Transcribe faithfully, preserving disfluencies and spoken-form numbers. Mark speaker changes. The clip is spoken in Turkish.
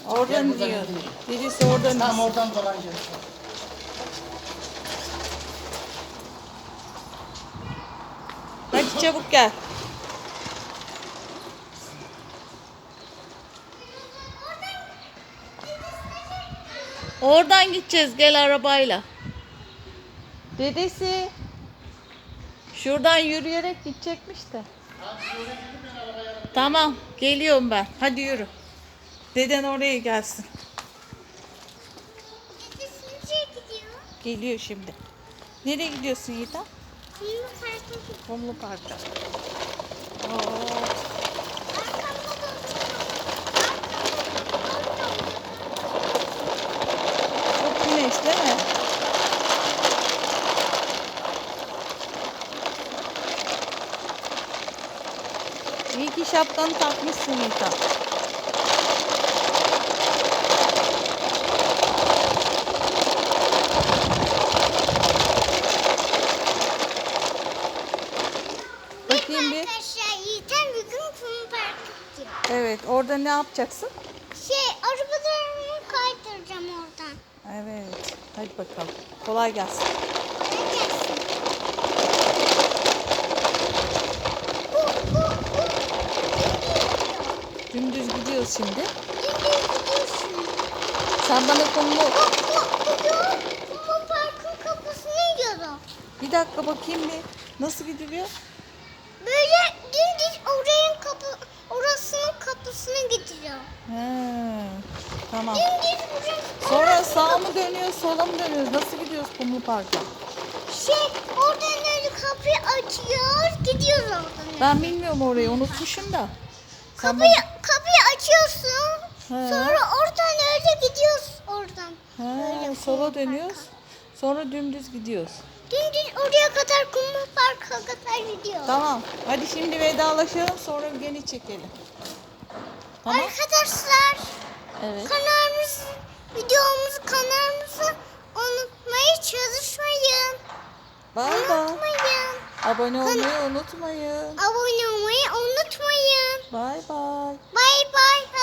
Speaker 1: Oradan
Speaker 2: buradan
Speaker 1: diyor.
Speaker 2: gideyim.
Speaker 1: Birisi oradan
Speaker 2: Tam
Speaker 1: diyor.
Speaker 2: oradan dolanacağız.
Speaker 1: Hadi çabuk gel. Oradan gideceğiz, gel arabayla. Dedesi şuradan yürüyerek gidecekmiş de. Tamam, geliyorum ben. Hadi yürü. Deden oraya gelsin.
Speaker 3: Dedesi nereye gidiyor?
Speaker 1: Geliyor şimdi. Nereye gidiyorsun Yiğitan?
Speaker 3: Kumlu parka gidiyor.
Speaker 1: Kumlu Park'a. Oo,
Speaker 3: Arkamda da
Speaker 1: çok güneş değil mi? İyi ki şapkanı takmışsın Yiğitan. Bakayım bir.
Speaker 3: Arkadaşlar Yiğit'en bir gün kumlu parka gidiyor.
Speaker 1: Evet, orada ne yapacaksın?
Speaker 3: Şey arabalarımı kaydıracağım oradan.
Speaker 1: Evet, hadi bakalım. Kolay gelsin.
Speaker 3: Kolay gelsin. Bu, bu, bu.
Speaker 1: Dümdüz gidiyoruz şimdi.
Speaker 3: Dümdüz gidiyorsun.
Speaker 1: Sen bana kumlu...
Speaker 3: Bu, bu, bu yol kumlu parkın kapısına gidiyor.
Speaker 1: Bir dakika bakayım bir. Nasıl gidiliyor?
Speaker 3: Böyle dümdüz orayın kapı, orasının kapısına gidiyor.
Speaker 1: He, tamam.
Speaker 3: Dümdüz burası.
Speaker 1: Sonra sağa mı dönüyoruz, sola mı dönüyoruz? Nasıl gidiyoruz Kumlu Park'a?
Speaker 3: Şey oradan öyle kapıyı açıyoruz gidiyoruz oradan. öyle.
Speaker 1: Ben bilmiyorum orayı, unutmuşum da. Sen
Speaker 3: Kapıyı, kapıyı açıyorsun.
Speaker 1: He.
Speaker 3: Sonra oradan öyle gidiyoruz oradan.
Speaker 1: bana- He,
Speaker 3: Öyle
Speaker 1: sola
Speaker 3: kumlu
Speaker 1: dönüyoruz.
Speaker 3: parka.
Speaker 1: Sonra dümdüz gidiyoruz.
Speaker 3: Dümdüz oraya kadar kumlu parka kadar gidiyor.
Speaker 1: Tamam. Hadi şimdi vedalaşalım, sonra gene çekelim. Tamam.
Speaker 3: Arkadaşlar
Speaker 1: Evet.
Speaker 3: kanalımız, videomuzu kanalımızı unutmayı çalışmayın.
Speaker 1: Bay bay.
Speaker 3: Unutmayın.
Speaker 1: Abone olmayı unutmayın.
Speaker 3: Abone olmayı unutmayın.
Speaker 1: Bay bay.
Speaker 3: Bay bay.